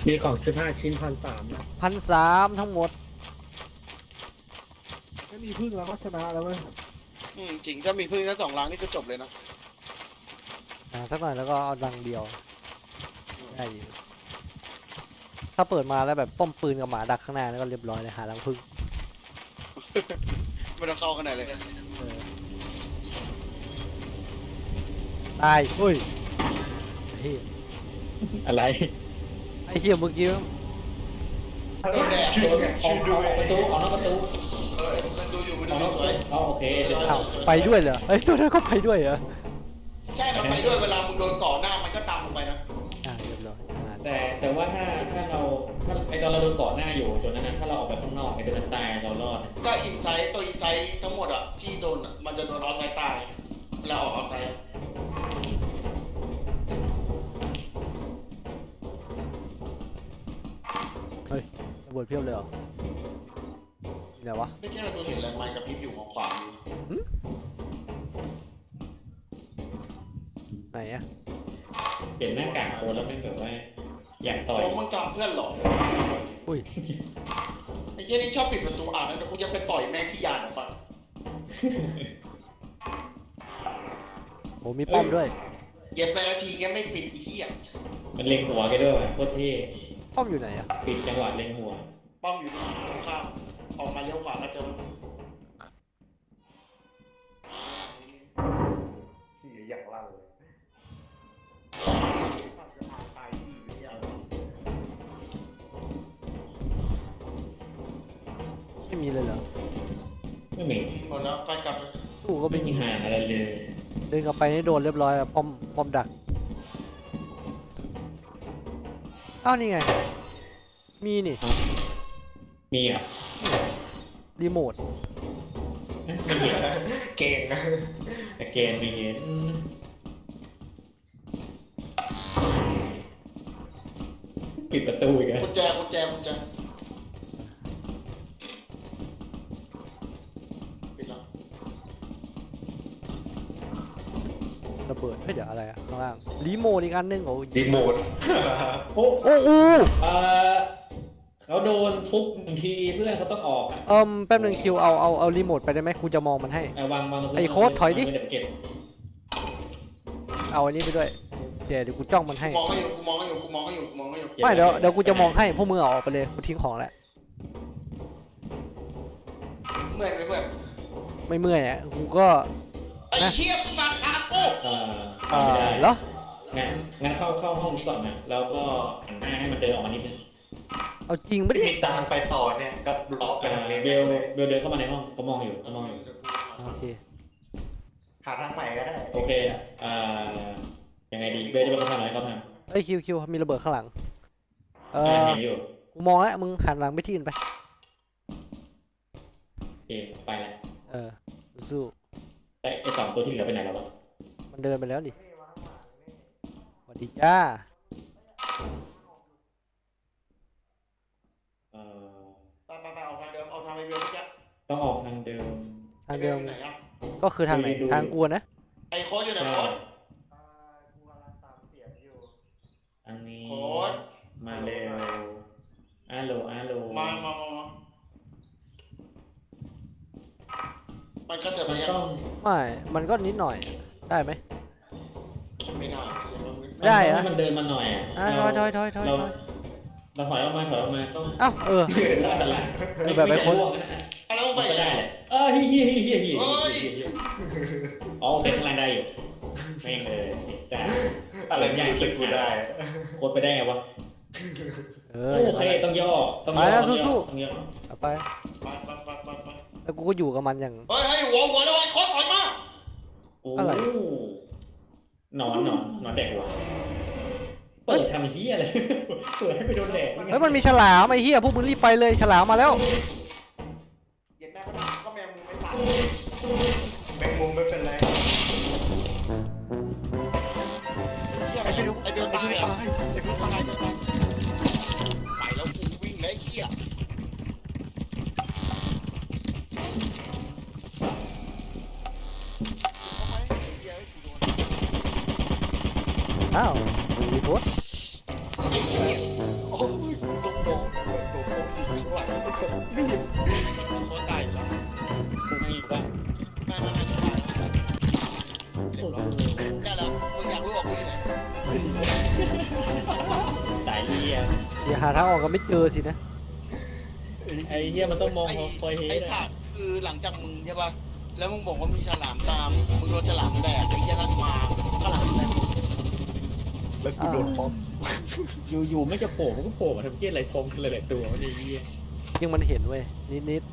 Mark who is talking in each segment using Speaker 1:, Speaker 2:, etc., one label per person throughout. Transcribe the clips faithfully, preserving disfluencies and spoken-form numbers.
Speaker 1: มีของสิบห้าชิ้นพันสามนะ
Speaker 2: พันสามทั้งหมด
Speaker 3: ไม่มีพึ่งแล้วก็ชนะแล้วเว้ย
Speaker 4: อืมจริงถ้ามีพึ่งทั้งสองล้างนี่ก็จบเลยนะ
Speaker 2: อ่าสักหน่อยแล้วก็เอาดังเดียวได้อยู่ถ้าเปิดมาแล้วแบบป้อมปืนกับหมาดักข้างหน้าแล้วก็เรียบร้อยเลยหารังผึ้ง
Speaker 4: ไม่ต้องเข้าขนาดเลย
Speaker 2: เออตายเฮ้ยไอ้เหี้ย
Speaker 1: อะไร
Speaker 2: ไอ้เหี้ยเมื่อกี้
Speaker 4: โดนแดด
Speaker 5: ออกออกประตูออกนอกประตู
Speaker 4: เออมันดูอยู่มัน
Speaker 5: อ
Speaker 4: ดู
Speaker 5: อก
Speaker 4: อน
Speaker 5: อยู่ กประตู
Speaker 4: สวย
Speaker 5: อ๋อโอเคเดี๋ยว
Speaker 2: อ้าวไปด้วยเหรอเฮ้ยตัวนั้นก็ไปด้วยเหรอ
Speaker 4: ใช่มันไปด้วยเวลามึงโดนก่อหน้ามันก็ตามมึงไปนะ
Speaker 2: อ่าเรียบร้อยอ่า
Speaker 5: แต่แต่ว่าถ้าถ้าเราถ้าไอตอนเราโดนเกาะหน้าอยู่จนนั้นนะถ้าเราออกไปข้างนอกไอตัวนั้นตายเรารอด
Speaker 4: ก็อินไซต์ตัวอินไซต์ทั้งหมดอ่ะที่โดนอะมันจะโดนออฟไซต์ตายเวลาออกออฟไซต์
Speaker 2: เฮ้ยระเบิดเพียบเลยเหรอไหนวะ
Speaker 4: ไม่ใช่ว่าตัวเห็นแรงไม้กับพริบอยู่ของขวาอยู่
Speaker 2: ไหนอะ
Speaker 5: เปลี่ยนหน้ากากโค้ดแล้วไม่แบบว่าอยากต่อย
Speaker 4: โอ้มึงจำเพื่อนหรอ
Speaker 2: อุ้ย
Speaker 4: ไอ้เหี้ยนี่ชอบปิดประตูอ่านนะเดี๋ยวกูจะไปต่อยแม่งที่ยานอ่ะฟัง
Speaker 2: โหมีป้อมด้วย
Speaker 4: เย็บไปนาทีแกไม่ปิดไอ้เหี้ย
Speaker 5: มันเล็งหัวแกด้วยว่ะโคตรเท่
Speaker 2: ป้อมอยู่ไหนอะ
Speaker 5: ปิดจังหวะเล็งหัว
Speaker 4: ป้อมอยู่ที่ตรงข้ามออกมาเลี้ยวขวาแล้วเจอที่อย่างลั่นเลย
Speaker 2: ไม่มีเลยเหรอ
Speaker 5: ไม่มี
Speaker 4: หมดแล้วไปกลับเลย
Speaker 2: ตู้ก็
Speaker 5: ไม่
Speaker 2: ไม่
Speaker 5: มี
Speaker 2: มี
Speaker 5: หาอะไรเลย
Speaker 2: เดินกลับไปนี่โดนเรียบร้อยแล้วป้อมป้อมดักอ้าวนี่ไงมีนี่
Speaker 5: มีอ่ะ
Speaker 2: รีโมท
Speaker 5: ไม่มี
Speaker 4: เก่งนะ
Speaker 5: แต่เกมมีอืมปิดประตูอีกแล้ว
Speaker 4: กุญแจกุญแจกุญแจปิดแล้ว
Speaker 2: ระเบิดเฮ้ยเดี๋ยวอะไรอะข้างล่างรีโมทอีกอันหนึงโอ้ย
Speaker 4: รีโมท
Speaker 5: โอ้
Speaker 2: โอ้โห
Speaker 5: เออเขาโดนทุบหนึ่งทีเพื่อนเขาต้องออกอ่ะ
Speaker 2: เอิมแป๊บหนึงคิวเอาเอาเอารีโมทไปได้ไหมกูจะมองมันให้
Speaker 5: เอาวางวางตรงพื้น
Speaker 2: ไอ้โค้ดถอยดิ
Speaker 5: วางไว้เดี๋ยวเก็บ
Speaker 2: เอาอันนี้ไปด้วยเดี๋ยวเดี๋ยวกูจ้องมันให้
Speaker 4: กูมองให้อยู่กูมองให้อยู่กูมองให้อยู่กูมองให้อยู่
Speaker 2: ไม่เดี๋ยวเดี๋ยวกูจะมองให้พวกมึงเอาออกไปเลยกูทิ้งของแล้ว
Speaker 4: เมื่อยไหมเพื่อน
Speaker 2: ไม่เมื่อยอ่ะกูก็
Speaker 4: ไอ้เหี้ยมึงมาหากู
Speaker 5: เอ่อ
Speaker 2: เอ่
Speaker 5: ไม่
Speaker 2: อ
Speaker 5: ได้
Speaker 2: เหรอ
Speaker 5: งั้นงั้นเข้าเข้าห้องนี้ก่อนนะแล้วก็หันหน้าให้มันเดินออกมานิดนึง
Speaker 2: เอาจริงไม่ได้
Speaker 1: มีทางไปต่อเนี่ยก็ล็อกไป
Speaker 5: อ่า
Speaker 1: ทางนี้
Speaker 5: เบลเบลเดินเข้ามาในห้องเขามองอยู่เขามองอยู่
Speaker 2: โอเค
Speaker 1: หาทางใหม่ก็ได้
Speaker 5: โอเคอ่ายังไงดีเบลจะเป็นคนทำอะไรเขาทำ
Speaker 2: เอ้ยคิวคิวมีระเบิดข้างหลังเอ
Speaker 5: อ่า
Speaker 2: อ
Speaker 5: เห็นอยู่
Speaker 2: กูมองแล้วมึงหันหลังไปที่อื่นไป
Speaker 5: โอเคไปแล้ว
Speaker 2: เออสู้
Speaker 5: แต่ไอสองตัวที่เหลือไปไหนแล้ววะ
Speaker 2: มันเดินไปแล้วดิสวัสดีจ้า
Speaker 5: เอ่อ
Speaker 4: ไปไปไปเอาทางเดิมเอาทางไปเบลเมื่อกี้
Speaker 5: ต้องออกทางเดิม
Speaker 2: ทางเดิม
Speaker 4: ไหนอะ
Speaker 2: ก็คือทางไหน
Speaker 5: ดูดู
Speaker 2: ทางกูนะ
Speaker 4: ไอ้โค้ดอยู่ไหนโค้ด
Speaker 5: ทางนี้
Speaker 4: โค้ด
Speaker 5: มาเร็วอาโลอาโล
Speaker 4: มามามามามันก็จะ
Speaker 5: มั
Speaker 4: ไม่
Speaker 5: น
Speaker 4: ยัง
Speaker 5: ต้อง
Speaker 2: ไม่มันก็นิดหน่อยได้ไหม
Speaker 4: ไม่ได้
Speaker 2: ได้
Speaker 5: อะ
Speaker 2: อะ
Speaker 5: มันเดินมาหน่อยอ่ะ
Speaker 2: อ่ะถอยถอยถอยถอย
Speaker 5: เรา
Speaker 2: ถอย
Speaker 5: เราถอยออกมาถอยออกมาต้อง
Speaker 2: เอ้าเออ เออแบบไอ้
Speaker 5: ไม่
Speaker 2: โค้ด
Speaker 5: ร่วงนะ
Speaker 4: แล้วมึงไป
Speaker 5: ก็
Speaker 4: ไหน
Speaker 5: ได้แหละเออเฮียเฮียเฮียเฮีย
Speaker 4: เฮ้ย
Speaker 5: อ๋อโอเคข้างล่างได้อยู่แม่งเลยไอ้สัส
Speaker 1: อะไรไม่รู้สึกกูได้
Speaker 5: โคตรไปได้ไงวะ
Speaker 2: เออ
Speaker 5: โอเคต้องย่อต้องย่อ
Speaker 2: ไปแล้ว
Speaker 5: ต้องย่อ
Speaker 2: สู้ๆ
Speaker 5: ต้องย่อ
Speaker 2: เอาไป
Speaker 4: ไปไปไปไปไป
Speaker 2: แล้วกูก็อยู่กับมันอย่าง
Speaker 4: เฮ้ยเฮ้ยหัวหัวแล้วไอ้โค้ดถอยมา
Speaker 5: โอ้
Speaker 2: อะไร
Speaker 5: หนอนหนอนหนอนแดกหัวเปิดทำเฮียอะไรเปิดให้ไปโดนแดก
Speaker 2: เฮ้ยมันมีฉลามไอ้เหี้ยพวกมึงรีบไปเลยฉลามมาแล้ว
Speaker 4: เย็นแม่ก็ก็แม่มึงไม่ตาย
Speaker 1: แมงมุมไม่เป็นไร
Speaker 4: ไอ้เบลไอ้เบลตายอ่ะไอ้เบลตายไปแล้วกูวิ่งแล้วไอ้เหี้ย
Speaker 2: อ้าวมีโค้ด
Speaker 4: โอ้ยเรียบร้อยใช่แล้วมึงอยากรู้ออกกูที่ไหน
Speaker 5: สายเหี้ย
Speaker 2: เดี๋ยวหาทางออกก็ไม่เจอสินะ
Speaker 5: ไอ้เหี้ยมันต้องมอง
Speaker 4: ไอ้
Speaker 5: คอยเฮ
Speaker 4: ไอ้
Speaker 5: ด
Speaker 4: สัตว์คือหลังจากมึงใช่ป่ะแล้วมึงบอกว่ามีฉลามตามมึงโดนฉลามแดกไอ้ยันนักมาฉลามแดก
Speaker 1: แล้วกูโดนป๊อป
Speaker 5: อยู่ๆไม่จะโผล่มันก็โผล่มาทำเหี้ยอะไรฟงกันเลยหลายตัวมันไอ้เหี้ย
Speaker 2: ยิ่งมันเห็นเว้ยนิด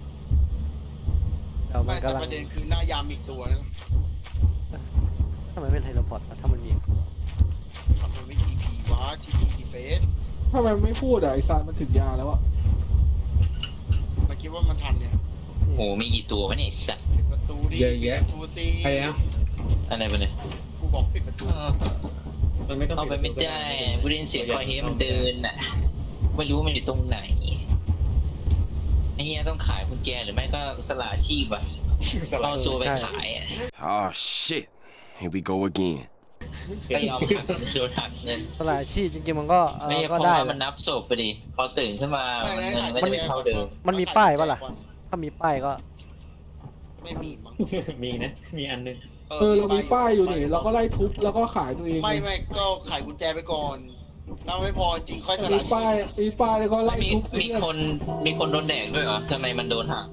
Speaker 2: ๆแต่มั
Speaker 4: ไม่
Speaker 2: น
Speaker 4: แต่
Speaker 2: กำลัง
Speaker 4: ประเด็นคือหน้ายามอีกตัวนะ
Speaker 2: ทำไมเป็นไทเลพอร์ตวะถ้ามันมี
Speaker 4: ทำไมไม่ทีพีวะทีพีทีเฟส
Speaker 3: ทำไมไม่พูดอ่ะไอ้ซานมันถึงยาแล้วอ่ะ
Speaker 4: มันคิดว่ามันทันเนี่ย
Speaker 6: โหมีกี่ตัววะเนี่ยไอ้สัตว์
Speaker 4: ปิดประตูดิ
Speaker 7: เยอะแยะ
Speaker 4: ปิดประตูสิ
Speaker 7: ใครอะ
Speaker 6: อะไรไปเนี่ย
Speaker 4: กูบอกปิดประตู
Speaker 5: มันไม่ต้อง
Speaker 6: เข้าไปไม่ได้กูได้ยินเสียงคอยเฮดมันเดินน่ะไม่รู้ว่ามันอยู่ตรงไหนไอ้เหี้ยต้องขายกุญแจหรือไม่ก็สละอาชีพอะเอาตัวไปขายอะ
Speaker 8: Oh shit. Here we go again.
Speaker 6: ก็ยอมหักโดนหักเงิน
Speaker 2: ตลาดอาชีพจริงๆมันก็เอ
Speaker 6: ไม่
Speaker 2: อ
Speaker 6: ใช่เพ
Speaker 2: ก็
Speaker 6: ราะ
Speaker 2: ได้
Speaker 6: ว่า
Speaker 2: แห
Speaker 6: มัน
Speaker 2: ละ
Speaker 6: นับศพไปดิพอตื่นขึ้นมามันเงินมันก็จะไม่เท่าเดิม
Speaker 2: มันมีป้ายปะล่ะ ถ้ามีป้ายก็
Speaker 4: ไม่มีมั้ง
Speaker 5: มีนะมีอันนึง
Speaker 3: เออเรามีป้ายอยู่นี่เราก็ไล่ทุบแล้วก็ขายตัวเอง
Speaker 4: ไม่ไม่ก็ขายกุญแจไปก่อนถ้าไม่พอจริงค่อยส
Speaker 3: มี
Speaker 4: ละชี
Speaker 3: ป้าย
Speaker 4: พ
Speaker 3: มีป้ายแล้วก็ไล่
Speaker 6: มี
Speaker 3: ทุบ
Speaker 6: มีคนมีคนโดนแดกด้วยเหรอทำไมมันโดนหัก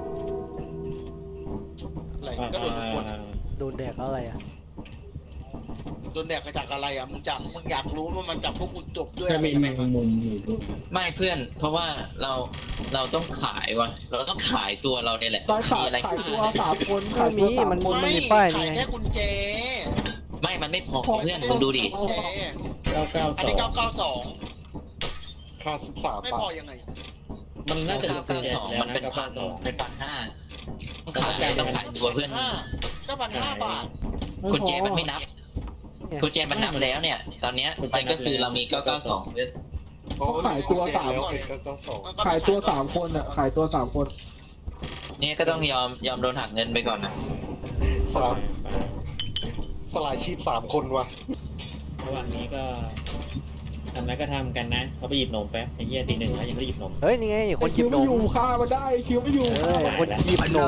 Speaker 4: อะไรก็โดนทุกคน
Speaker 2: โดนแดกแล้วอะไรอ่ะ
Speaker 4: โดนแดกมาจากอะไรอ่ะมึงจับมึงอยากรู้ว่ามันจับพวกกูจบด้วย
Speaker 7: ถ้า
Speaker 4: อะไร
Speaker 7: มีแมงมุมอยู่ด้วย
Speaker 6: ไม่เพื่อน เพราะว่าเราเราต้องขายวะเราต้องขายตัวเราเนี่ยแหละ
Speaker 3: ตายขาย
Speaker 6: มีอะไร
Speaker 3: ขาย
Speaker 6: ขาย
Speaker 3: ตัวสามคน
Speaker 2: ไม่
Speaker 3: ขาย
Speaker 2: มี
Speaker 3: ตัวสาม
Speaker 2: มัน
Speaker 3: คน
Speaker 2: มัน
Speaker 4: ไม่
Speaker 2: มีป้าย
Speaker 4: ขาย
Speaker 2: นี่ไง
Speaker 4: แค่กุญแจ
Speaker 6: ไม่มันไม่พอเพื่อนมึงดูดิ
Speaker 4: กุญแจ
Speaker 5: เก้าเก้า
Speaker 4: อัน
Speaker 5: สอ
Speaker 4: นี้
Speaker 5: ง
Speaker 4: เก้าเก้าสอง
Speaker 1: ค่าสิบสาม
Speaker 4: ไม่
Speaker 1: บา
Speaker 4: พอ
Speaker 1: ท
Speaker 4: ยังไง
Speaker 5: มันน่าจะ
Speaker 6: เก้าเก้าสองมันเป็นพันเป็นพันห้าต้องขายต้องขายตัวเพื่อน
Speaker 4: ห้าก็พันห้าบาท
Speaker 6: กุญแจมันไม่นับกุญแจมันนับแล้วเนี่ย ตอนเนี้ยมันก็คือเรามีเก้าเก้าสองเพื่อน
Speaker 3: เขาขายตัวสาม
Speaker 1: แล้วเป็นเก้าเก้าสอง
Speaker 3: ขายตัวสามคนอ่ะขายตัวสามคน
Speaker 6: เนี่ยก็ต้องยอมยอมโดนหักเงินไปก่อนนะ
Speaker 1: สามสลายชีพสามคนว่ะ
Speaker 5: ระหว่างนี้ก็ทำแล้วก็ทำกันนะเขาไปหยิบนมแป๊บไอ้เหี้ยตีหนึ่งแล้วยังไม่ได้หยิบนม
Speaker 2: เฮ้ยนี่ไงคนหยิ
Speaker 3: คิ
Speaker 2: บ
Speaker 3: วน ไม่
Speaker 2: ม
Speaker 3: อยู่ฆ่ามาได้คิวไม่อยู่
Speaker 2: เออคนหยิบนม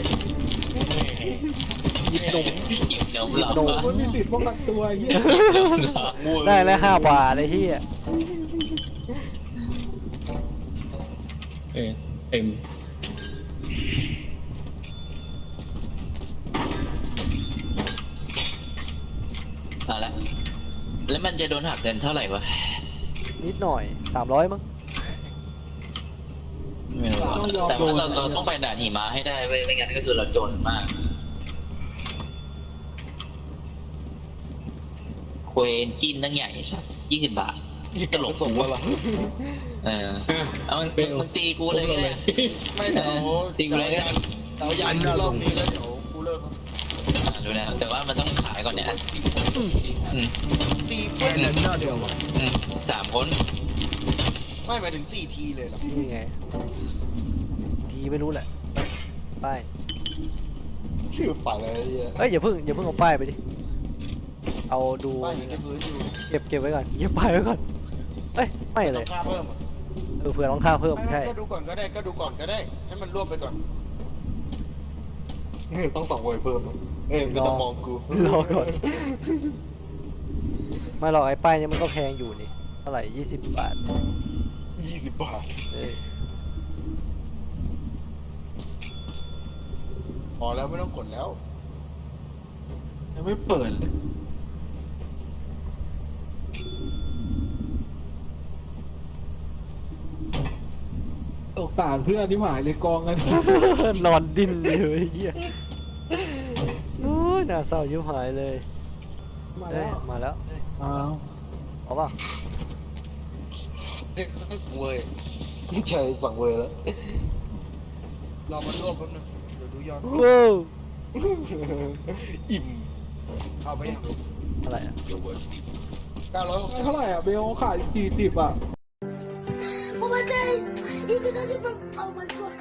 Speaker 2: หยิบนม
Speaker 6: หยิบนมเหรอ
Speaker 2: นม
Speaker 3: มันมีสิทธิ์ป้องกันตัวไอ้เหี้ย
Speaker 2: ได้แล้วห้าบาทไอ้ที่
Speaker 7: เออเต็ม
Speaker 6: เอาละแล้วมันจะโดนหักเงินเท่าไหร่วะ
Speaker 2: นิดหน่อยสามร้อยมั้ง
Speaker 6: ไม่รู้อะแต่ว่าเราเราต้องไปด่านหิมะให้ได้เว้ยไม่งั้นก็คือเราจนมากเควนจินตั้งใหญ่ใช่ยี่สิบบาทตลก
Speaker 1: ส่งมาละ
Speaker 6: เออเอามึงมึงมึงตีกูเลยก็ได้
Speaker 4: ไม่เดี๋ยว
Speaker 6: ตีกูเลยก็ได้
Speaker 4: เดี๋ยวยันรอบนี้แล้วเดี๋ยวกูเลิก
Speaker 6: อ่าดูนะแต่ว่ามันต้องขายก่อนเนี่ยอืม
Speaker 4: ตีเพื่อนเดียวอะ
Speaker 6: อืมสามคน
Speaker 4: ไม่หมายถึงสี่ทีเลยเหรอ
Speaker 2: นี่ไงทีไม่รู้แหละป้าย
Speaker 1: ชื่อฝ่ายอะไรเนี่ย
Speaker 2: เอ้ยอย่าเพิ่งอย่าเพิ่งเอาป้ายไปดิเอาดู
Speaker 4: ป้ายอยู่ในพื้นอยู่
Speaker 2: เก็บเก็บไว้ก่อนเก็บป้ายไว้ก่อนเอ้ยไม่เลย
Speaker 4: ค่าเพิ่ม
Speaker 2: เออเผื่อรองเท้าเพิ่มใช่
Speaker 4: ก็ดูก่อนก็ได้ก็ดูก่อนก็ได้ให้มันรวบไปก่อน
Speaker 1: ต้องสองเวยเพิ่มอะเอ้ยไม่ต้องมองกู
Speaker 2: รอก่อนไม่หรอกไอ้ป้ายเนี่ยมันก็แพงอยู่นี่เท่าไหร่ยี่สิบบาท
Speaker 1: ยี่สิบบาท
Speaker 2: เออ
Speaker 4: พอแล้วไม่ต้องกดแล้ว
Speaker 3: ยังไม่เปิดเลยสงสารเพื่อนที่หมายเลยกองกัน
Speaker 2: นอนดิ้นอยู่ไอ้เหี้ยโอ้ยน่าเศร้ายิ้มหายเลย
Speaker 3: มา
Speaker 2: เอ้
Speaker 3: แล้
Speaker 2: ยว มาแล้ว
Speaker 3: อ้าว
Speaker 2: เอาป่ะ
Speaker 4: เด็กเว้ย
Speaker 1: นี่ใช่สั่งเวยแล้ว
Speaker 4: รอมันรวบแป๊บนึงเดี๋ยวดูยอด
Speaker 2: ว้าว
Speaker 1: อิ่ม
Speaker 4: เอาไปยัง
Speaker 2: อะไรอะ
Speaker 4: เก้าร้อยหก
Speaker 3: เท่าไหร่อ่ะเบลขายสี่สิบอ่ะ
Speaker 9: Oh my god! He because it from oh my god!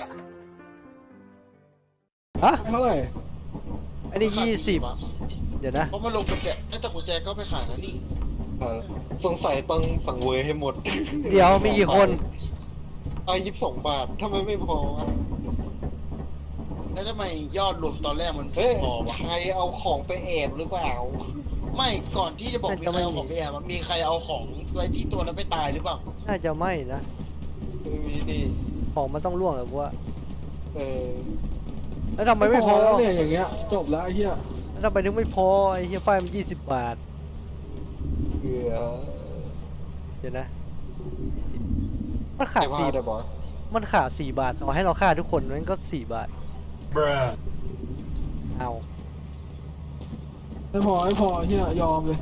Speaker 2: ฮะ
Speaker 3: เท่าไหร่
Speaker 2: อันนี้ยี่สิบเดี๋ยวนะ
Speaker 4: เพราะมันลงกุญแจไอ้แต่กุญแจก็ไปขายแล้วนี่
Speaker 1: เออสงสัยต้องสั่งเวยให้หมด
Speaker 2: เดี๋ยวมีกี่คน
Speaker 1: เอายี่สิบสองบาททำไมไม่พอวะ
Speaker 4: ไแล้วทำไมยอดรวมตอนแรกมัน
Speaker 1: เฮ้ย
Speaker 4: พอวะ
Speaker 1: ใครเอาของไปแอบหรือเปล่า
Speaker 4: ไม่ก่อนที่จะบอกมีใครเอาของไปแอบอะมีใครเอาของไว้ที่ตัวแล้วไปตายหรือเปล่า
Speaker 2: น่าจะไม่นะ
Speaker 1: ไม่มีดิ
Speaker 2: ของมันต้องล่วงเลยกูว่า
Speaker 1: เออ
Speaker 2: แล้วทำไมไม่พอ
Speaker 3: แล้วเนี่ยอย่างเงี้ยจบแล้วไอ้เหี้ย
Speaker 2: แล้วทำไมถึงไม่พอไอ้เฮียไฟมันยี่สิบบาท
Speaker 1: เหือ
Speaker 2: เดี๋ยวนะมันขา
Speaker 1: ใคร
Speaker 2: ด
Speaker 1: พลา
Speaker 2: สี่
Speaker 1: ดอะบอส
Speaker 2: มันขาดสี่บาทต่อให้เราฆ่าทุกคนมันก็สี่บาทเอา
Speaker 3: ไม่พอไม่พอไอ้เหี้ยยอมเลย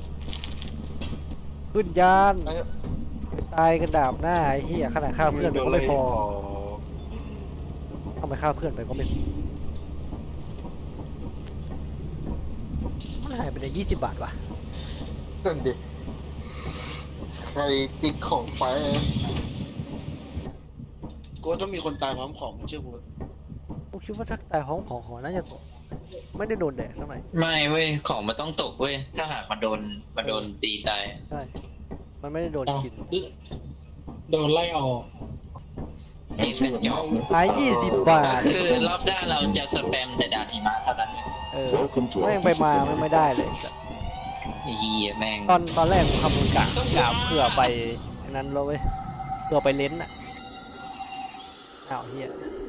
Speaker 2: ขึ้นยาน
Speaker 1: ไอ้
Speaker 2: ตายกันดาบหน้าไอ้เหี้ยขนาดฆ่าเพื่อนไปก็ไม่พอทำไมฆ่าเพื่อนไปก็ไม่พอมันหายไปได้ยี่สิบบาทวะ
Speaker 1: นั่นดิใครจิกของไป
Speaker 4: กูว่าต้องมีคนตายพร้อมของเชื่อกู
Speaker 2: กูคิดว่าถ้าตายห้องของหอน่าจะตกไม่ได้โดนแดดเท่าไหร่
Speaker 6: ไม่เว้ยของมันต้องตกเว้ยถ้าหากมันโดนมันโดนตีตาย
Speaker 2: ใช่มันไม่ได้โดน
Speaker 7: เอา
Speaker 2: กิน
Speaker 7: โดนไล่ออก
Speaker 6: ไอ้เป็นจอบ
Speaker 2: หายยี่สิบบา
Speaker 6: ก็
Speaker 2: ท
Speaker 6: คือรอบหน้าเราจะสแปมแต่ดาหิมะเท่านั้นเว้ย
Speaker 2: เออ
Speaker 8: Welcome to
Speaker 2: แม่ง
Speaker 8: our
Speaker 2: ไปมา
Speaker 8: physical
Speaker 2: ไม่ไม่ได้เลย
Speaker 6: ไอ้เฮียแม่ง
Speaker 2: ตอนตอนแรกผมคำนวณกะกะเผื่อไปอันนั้นแล้วเว้ยเผื่อไปเลนส์อ่ะอ้าวเฮีย